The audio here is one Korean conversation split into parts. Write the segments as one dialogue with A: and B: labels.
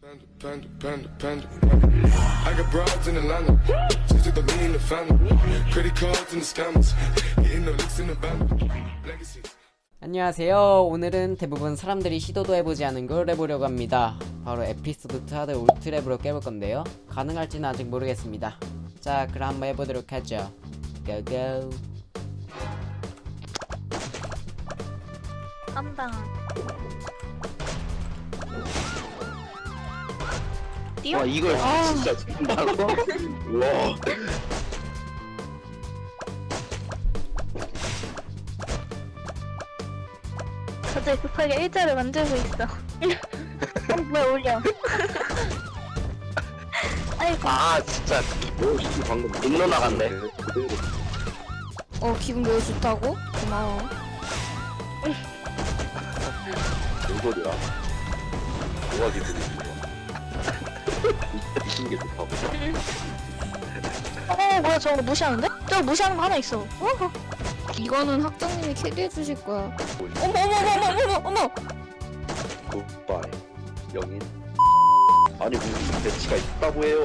A: I got broads in Atlanta. Just took the lean in the family. Credit cards and the scammers. Hitting the licks in the band. Legacies.
B: 안녕하세요. 오늘은 대부분 사람들이 시도도 해보지 않은 걸 해보려고 합니다. 바로 에피소드 2 하드 울트랩으로 깨볼 건데요. 가능할지는 아직 모르겠습니다. 자, 그럼 한번 해보도록 하죠. 고고.
C: 깜당. 뛰어?
D: 와 이걸 진짜 정말로? 와
C: 갑자기 급하게 일자를 만들고 있어. 뭐야 올려. 아이고.
D: 아 진짜 뭐 방금 놀러 나갔네.
E: 기분 매우 좋다고? 고마워.
D: 뭔 소리야? 뭐가 기분이 좋아? 미친 게 좋다고?
C: 뭐야 저거 무시하는데? 저거 무시하는 거 하나 있어.
E: 이거는 학장님이 캐리해 주실 거야.
C: 어머.
D: 굿바이 영인. 아니 무슨 배치가 있다고 해요?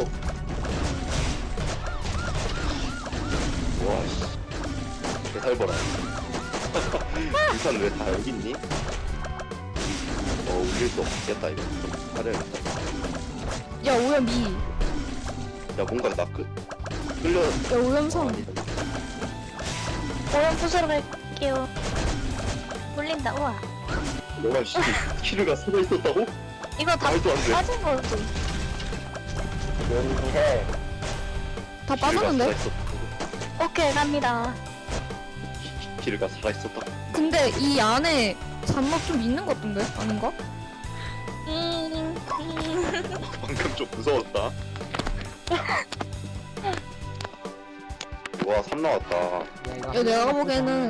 D: 와씨 개살벌아. 유산 왜 다 여기 있니? 울릴 수 없겠다 이거. 좀 하려야겠다.
E: 야 오염이.
D: 야 뭔가 나 끌려.
E: 야 오염성.
D: 아니다.
C: 오염 부수러 갈게요. 물린다. 우와.
D: 너가 키르가 살아 있었다고?
C: 이거 다
D: 말도 안 돼.
C: 빠진 거지.
D: 해.
E: 다 빠졌는데?
C: 오케이 갑니다.
D: 키르가 살아 있었다.
E: 근데 이 안에 잔맛 좀 있는 것 같은데? 아닌가?
D: 방금 좀 무서웠다. 와, 3 나왔다.
E: 야 내가 보기에는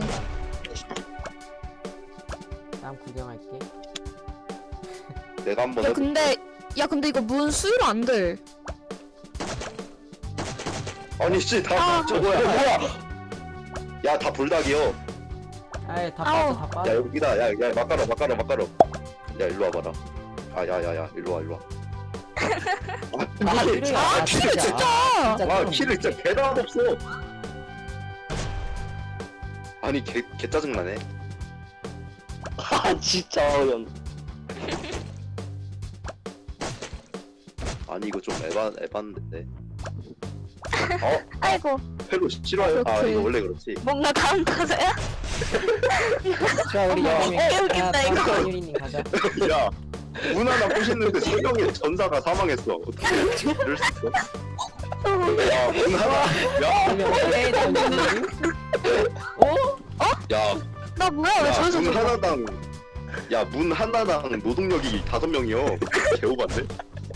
B: 다음 구경할게.
D: 내가 한번
E: 야
D: 해볼게.
E: 근데 이거 문 수위로 안 돼.
D: 아니 씨, 다 저거야. 뭐야? 야, 다 불닭이요.
B: 아이, 다
C: 아우.
B: 빠져, 다
D: 야,
B: 빠져.
D: 여기다. 야, 막가로. 야, 일로 와봐라. 야, 일로 와. 아,
B: 키를,
D: 아, 키를 진짜. 아,
B: 좀.
D: 키를 진짜 개다 없어. 아니, 개 짜증나네. 아, 진짜 어이없네. 아니, 이거 좀 에반데.
C: 아이고
D: 펠로 싫어요? 아,
E: 그렇지.
D: 이거 원래 그렇지.
C: 뭔가 다음 타자야?
B: 자, 우리 여름이.
C: 웃긴다, 이거.
B: 한유리님 가자.
D: 야, 문 하나 부시는데 3명의 전사가 사망했어. 어떻게 이럴 수 있어? 야, 문 하나. 야,
C: 나 뭐야 왜 저기서
D: 문
C: 들어?
D: 하나당. 야, 문 하나당 노동력이 5명이요. 개오반데?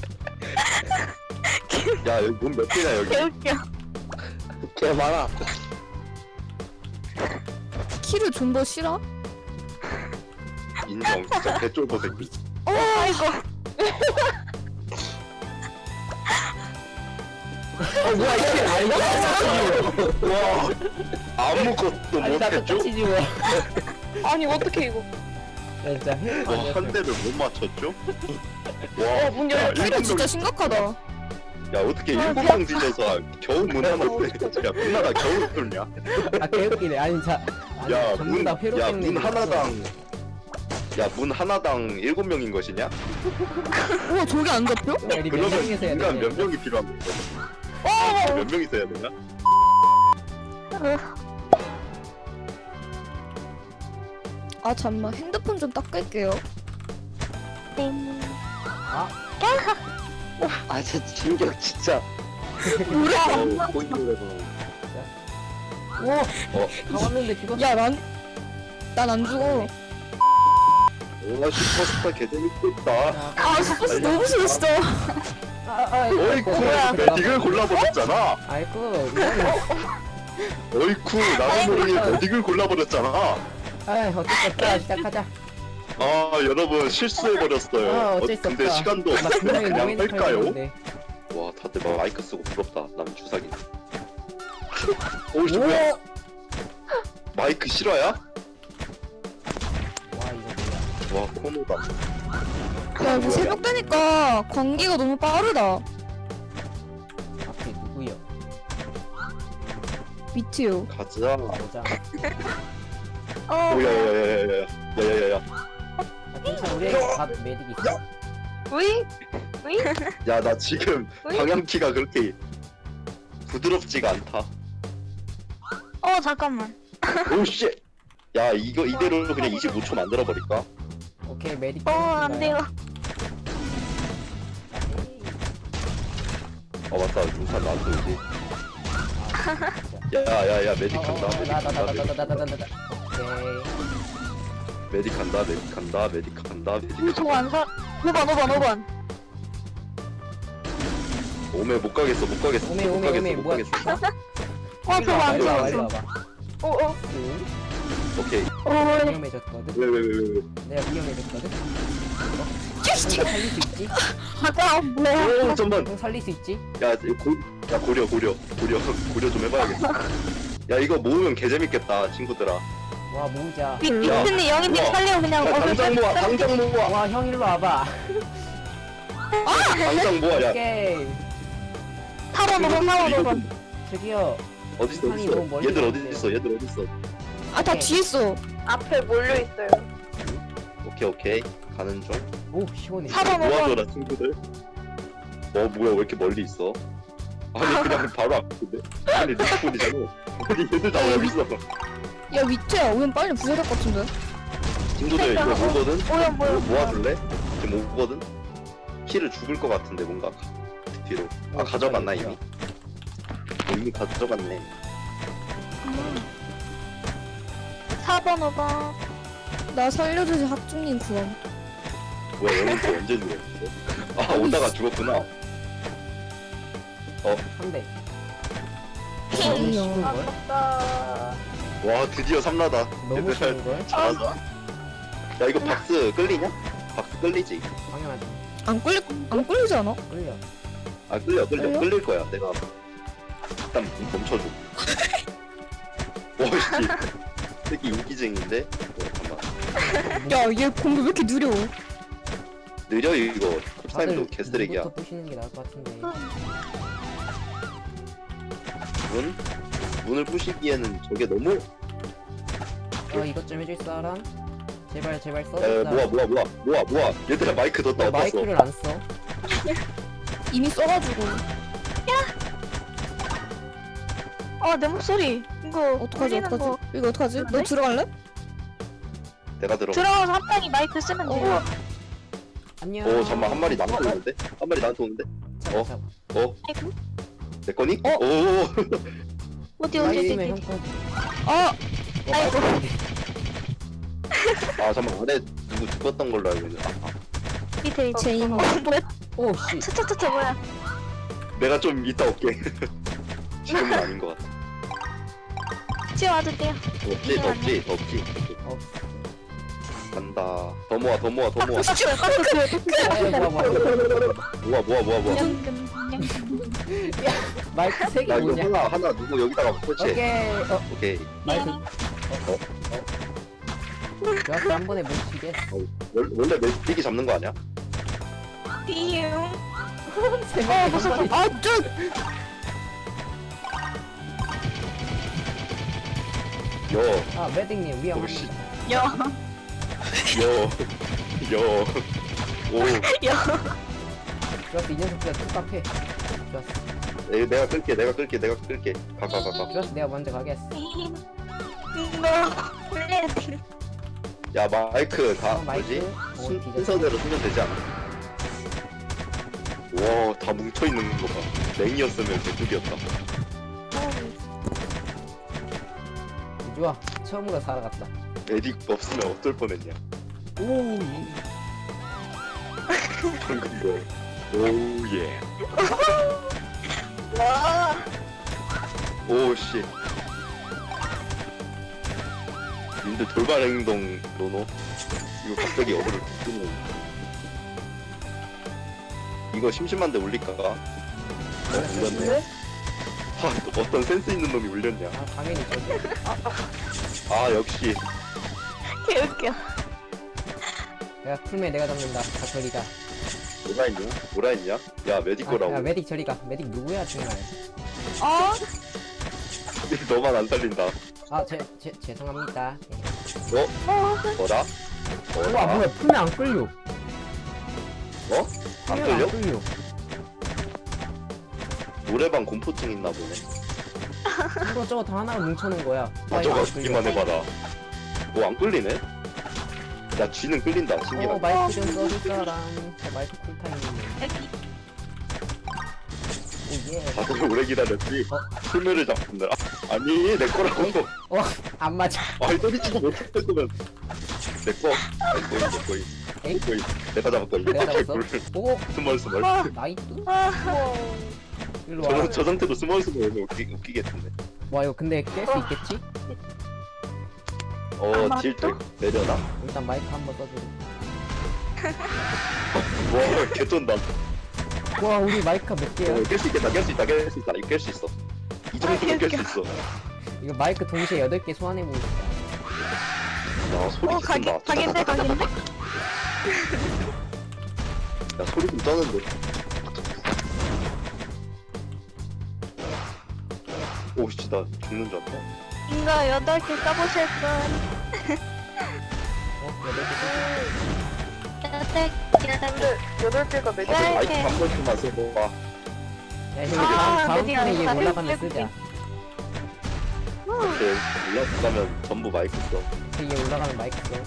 D: 야, 여기 문 몇 개냐 여기?
C: 개웃겨.
D: 개 많아.
E: 키를 좀 더 싫어?
D: 인정. 진짜 개쫄보 새끼.
C: 아이고.
D: 뭐야 이게? 와, 아무것도 못했죠?
C: 아니 어떻게 이거?
B: 야, 진짜 헬
D: 와, 한 대를 못 맞췄죠? 와,
C: 문
D: 야,
C: 열려.
E: 키를
D: 일곱
E: 진짜
D: 명.
E: 심각하다.
D: 야, 어떻게 7명 뒤져서 겨우 문 하나 야, 문 하나 겨우 뚫냐?
B: 아, 개웃기네. 아니, 자. 아니,
D: 야,
B: 전부 다 회로
D: 야,
B: 때문에
D: 문
B: 그랬어.
D: 하나당. 야, 문 하나당 7명인 것이냐?
E: 우와 저게 안 잡혀?
B: 야, 우리 몇
D: 그러면
B: 명이서 해야
D: 인간
B: 돼?
D: 몇 명이 필요한 거야? 몇 명이 있어야 되냐?
E: 아 잠만 핸드폰 좀 닦을게요.
D: 아, 진짜 진격 진짜.
C: 뭐야?
D: 보이는
B: 다 왔는데 죽었어.
E: 난 안 죽어.
D: 와, 슈퍼스타 개재밌겠다.
C: 아 스포츠 너무 싫었어.
D: 어이쿠,
C: 뭐야?
D: 메딕을 골라버렸잖아.
B: 아이고, 이거는.
D: 어이쿠, 나도 모르게 메딕을 골라버렸잖아.
B: 아이, 어쩔 수 없다. 시작하자.
D: 아, 여러분 실수해버렸어요.
B: 아, 어쩔 수
D: 근데
B: 없다.
D: 시간도
B: 나
D: 없는데
B: 분명히
D: 그냥
B: 노인을
D: 할까요?
B: 털었는데.
D: 와, 다들 막 마이크 쓰고 부럽다. 남 주사기. 오이씨, 뭐야?
B: 오!
D: 마이크 실화야?
B: 와, 이거 뭐야.
D: 와, 코너다.
E: 야 이거 새벽 되니까 관계가 너무 빠르다.
B: 앞에 누구요?
E: 미트요.
D: 가자.
B: 보자.
D: 오야야야야야야야야야.
B: 아, 괜찮아. 우리에게 다 메딕 있어.
C: 우이? 우이?
D: 야 나 지금
C: 어이?
D: 방향키가 그렇게 부드럽지가 않다.
C: 잠깐만.
D: 오씨. 야 이거 이대로 그냥 25초 만들어 버릴까?
B: 오케이 메딕.
C: 안 돼요.
D: 맞다. 용산 나한테 오지. 야야야 메딕 간다. 메딕 간다.
B: 나나나나나나나나나. 오케이.
D: 메딕 간다. 메딕 간다. 메딕 간다. 메딕
C: 저거 안 사. 5번.
D: 오메 못 가겠어. 못 가겠어.
B: 오메,
D: 못
B: 오메,
D: 가겠어.
B: 오메,
D: 못
B: 뭐야.
D: 가겠어.
C: 저거 안
B: 일로 와봐, 일로
C: 사.
B: 와봐. 응?
D: 오케이.
B: 위험해졌거든.
D: 왜.
B: 내가 위험해졌거든. 형 살릴 수 있지?
C: 가자. 뭐야?
D: 오 잠만.
B: 형 살릴 수 있지?
D: 야 고려 좀 해봐야겠어. 야 이거 모으면 개재밌겠다 친구들아.
B: 와 모으자.
C: 미트님 영희님
D: 우와.
C: 살려 그냥.
D: 야, 당장 모아.
B: 와 형 일로 와봐.
D: 당장 모아. 야
C: 4번.
B: 저기요.
D: 어딨어
B: 아니, 너무
D: 어딨어.
B: 멀리
D: 얘들
B: 갔는데.
D: 어딨어. 얘들 어딨어.
E: 아 다 뒤에 있어.
C: 앞에 몰려 있어요.
D: 오케이 가는 중.
B: 오 시원해.
C: 4번.
D: 모아줘라 친구들. 뭐야 왜 이렇게 멀리 있어? 아니 그냥 바로 앞인데. 아니 리스폰이잖아. 아니 얘들 다 여기 있어.
E: 야 미트야 우연 빨리 부숴야 될 것 같은데.
D: 친구들 이거 오거든.
C: 뭐야.
D: 모아줄래? 지금 오거든. 키를 죽을 것 같은데 뭔가 뒤로. 아 가져갔나 이미? 이미 가져갔네.
C: 4번 5번.
E: 나 살려주지 학중님 구원.
D: 뭐야 영희 또 언제 죽었어? 아 오다가 죽었구나.
B: 한 대.
E: 아니요.
C: 아깝다.
D: 와 드디어 3라다.
B: 너무 쉬운 걸.
D: 잘하자. 야 이거 박스 끌리냐? 박스 끌리지?
B: 당연하지.
E: 안 끌리지 않아?
B: 끌려.
D: 아 끌려
E: 끌려?
D: 끌릴 거야. 내가 일단 멈춰줘. 와씨 새끼 인기쟁인데? 잠깐만.
E: 야얘 공부 왜 이렇게 느려?
D: 느려 이거. 캡사임도
B: 다들
D: 개쓰레기야.
B: 문부터 부시는 게 나을 것 같은데.
D: 문을 부시기에는 저게 너무.
B: 이것 좀 해줄 사람? 제발 써.
D: 야 모아. 얘들아 마이크 뒀다
B: 나
D: 어디다 써?
B: 마이크를 안 써.
E: 이미 써가지고.
C: 내 목소리. 이거
E: 어떡하지?
C: 울리는 거.
E: 이거 어떡하지? 너
C: 그런데?
E: 들어갈래?
D: 내가 들어.
C: 들어가서 한 명이 마이크 쓰면 돼요.
B: 안녕.
D: 오 잠만 한 마리 나한테 오는데? 한 마리 나한테 오는데?
B: 잡아,
D: 어?
B: 잡아.
C: 아이고.
D: 내 거니?
E: 어?
D: 오.
C: 어디.
B: 마이크면 형 거.
E: 아
C: 아이고.
D: 아 잠만 안에 누구 죽었던 걸로 알고 있는데.
C: 밑에
E: 제인.
C: 뭐야?
B: 오 씨.
C: 차차차차 뭐야?
D: 내가 좀 이따 올게. 지금은 아닌 것 같아.
C: 지금 와도 돼요.
D: 덥지.
B: 어.
D: 간다. 더 모아. 모아.
B: 마이크
D: 나
B: 3개
D: 이거
B: 뭐냐?
D: 하나 누구 여기다가 설치해.
B: 오케이.
D: 오케이.
B: 마이크. 좋았어 한 번에 못 치게.
D: 원래 메디기 잡는 거 아니야?
C: 비용.
B: 세 명이 한 번에.
D: 여.
B: 아 매딩님 위험.
D: 오씨.
C: 여.
D: 오.
B: 좋았어 이 녀석들 툭박해. 좋았어.
D: 내가 끌게. 가.
B: 좋았어 내가 먼저 가겠어.
C: 이거 올려야 돼.
D: 야 마이크 다
B: 마이크.
D: 뭐지?
B: 오, 뒤졌다.
D: 순서대로 쓰면 되지 않아? 와, 다 뭉쳐 있는 거 봐. 랭이었으면 개꿀이었다.
B: 좋아 처음으로 살아갔다.
D: 에딕 없으면 어쩔 뻔했냐?
B: 오.
D: 방금 뭐? 오 예.
C: 와.
D: 오 씨. 님들 돌발 행동 노노. 이거 갑자기 어그를 끊는. 이거 심심한데 울릴까? 울렸네. 아, 어떤 센스 있는 놈이 울렸냐?
B: 아 당연히 저기.
D: 아 역시.
C: 개웃겨.
B: 야 풀메 내가 잡는다. 다 저리가.
D: 뭐라 했냐? 야 메디코라고.
B: 야 메딕 저리가. 메딕 누구야 정말.
C: 어?
D: 너만 안 살린다.
B: 아 죄송합니다.
D: 뭐라?
B: 우와 뭐야 풀메 안 끌려.
D: 어? 안
B: 풀메
D: 끌려?
B: 끌려.
D: 노래방 공포증 있나 보네.
B: 이거 저거 다 하나로 뭉쳐놓은 거야.
D: 아
B: 이거
D: 저거
B: 안 끌려.
D: 듣기만 해봐라. 뭐 안 끌리네? 야 쥐는 끌린다. 신기하다.
B: 마이크 좀 써줄 사람. 마이크 쿨타임이네.
C: 여기.
B: 오예.
D: 다들 오래 기다렸지? 풀매를 잡는다. 아니 내 거라고.
B: 안 맞아.
D: 아이 소리치고 못했으면 내 거. 내 거이.
B: 에이?
D: 내가 잡았다.
B: 내가 잡았어? 오
D: 스멀스멀.
B: 나이스.
C: 아,
B: 일로 와.
D: 저 상태로 스멀스멀 하면 웃기겠는데.
B: 와 이거 근데 깰 수 있겠지?
D: 딜 내려나?
B: 일단 마이크 한번 써주고.
D: 와 개쩐다.
B: 와 우리 마이크가 몇 개야?
D: 깰 수 있겠다. 깰 수 있다. 깰 수 있다. 이거 깰 수 있어. 이 정도면 깰 수 있어.
B: 이거 마이크 동시에 8개 소환해보고 싶다.
D: 야 소리
C: 가게,
D: 진다.
C: 가게인데, 가게인데?
D: 야 소리 좀 떠는데. 오씨 나 죽는 줄 알았다.
C: 이거 8개 까보실 분.
B: 8개
C: 8개가 몇
D: 다들 마이크 한 번씩만 써봐.
B: 야 이거
C: 아,
B: 다음
C: 드디어
B: 판에 얘
C: 알겠다.
B: 올라가면
C: 해볼게,
B: 쓰자.
D: 이렇게 올라가면 전부 마이크 써.
B: 얘 올라가면 마이크 써.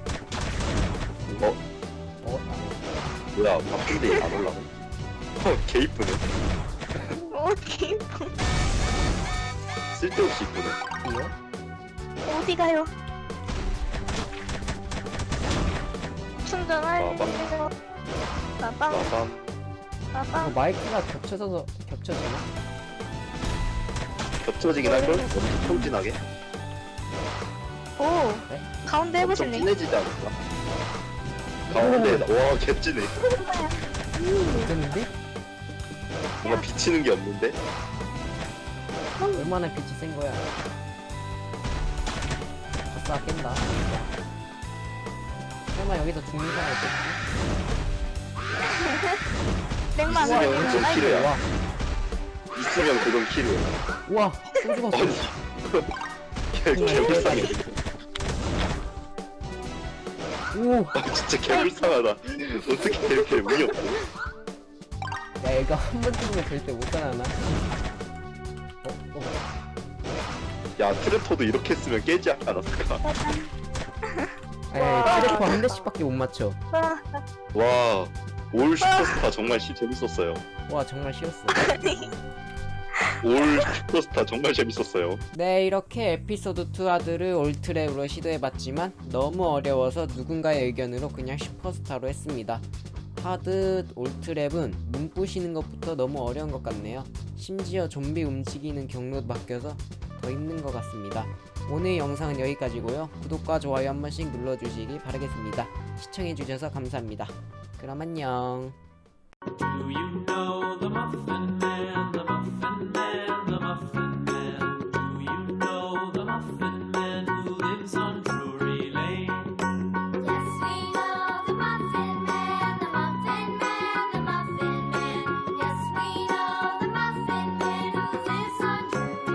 D: 뭐야 바쁜데 안 올라가? 개 이쁘네.
C: 어디,
D: 쓸데없이 이쁘네.
B: 이거?
C: 어디 가요? 충전할
D: 빠밤.
C: 때가 빠밤,
D: 빠밤.
C: 빠밤.
B: 마이크가 겹쳐지나?
D: 겹쳐지긴 할걸? 엄청 평진하게?
C: 오,
B: 네?
C: 가운데
D: 엄청
C: 해보실래요?
D: 진해지지 않을까? 가운데 와 개진해.
B: 어땠는데?
D: 뭔가 비치는 게 없는데?
B: 얼마나 빛이 센 거야? 아싸 깬다. 설마 여기서 죽는 사람 없겠지?
C: 맥만
D: 있으면
C: 올리면
D: 엄청
C: 아이고.
D: 길어요.
B: 와,
D: 있으면 그건 킬이야.
B: 우와, 또 죽었어.
D: 아니 개불쌍해.
B: 오,
D: 진짜 개불쌍하다. 어떻게 이렇게 운이 없어?
B: 야 얘가 한 번 죽으면 절대 못 살아나.
D: 야 트랩터도 이렇게 했으면 깨지 않았을까?
B: 에이, 트래퍼 한 대씩밖에 못 맞춰.
C: 아,
D: 와, 올 슈퍼스타 정말 재밌었어요.
B: 와 정말 쉬웠어.
D: 올 슈퍼스타 정말 재밌었어요.
B: 네, 이렇게 에피소드 2 하드를 올트랩으로 시도해봤지만 너무 어려워서 누군가의 의견으로 그냥 슈퍼스타로 했습니다. 하드 올트랩은 눈 부시는 것부터 너무 어려운 것 같네요. 심지어 좀비 움직이는 경로도 바뀌어서 더 힘든 것 같습니다. 오늘 영상은 여기까지고요. 구독과 좋아요 한 번씩 눌러주시기 바라겠습니다. 시청해주셔서 감사합니다. 그럼 안녕.
F: Do you know the Muffin Man?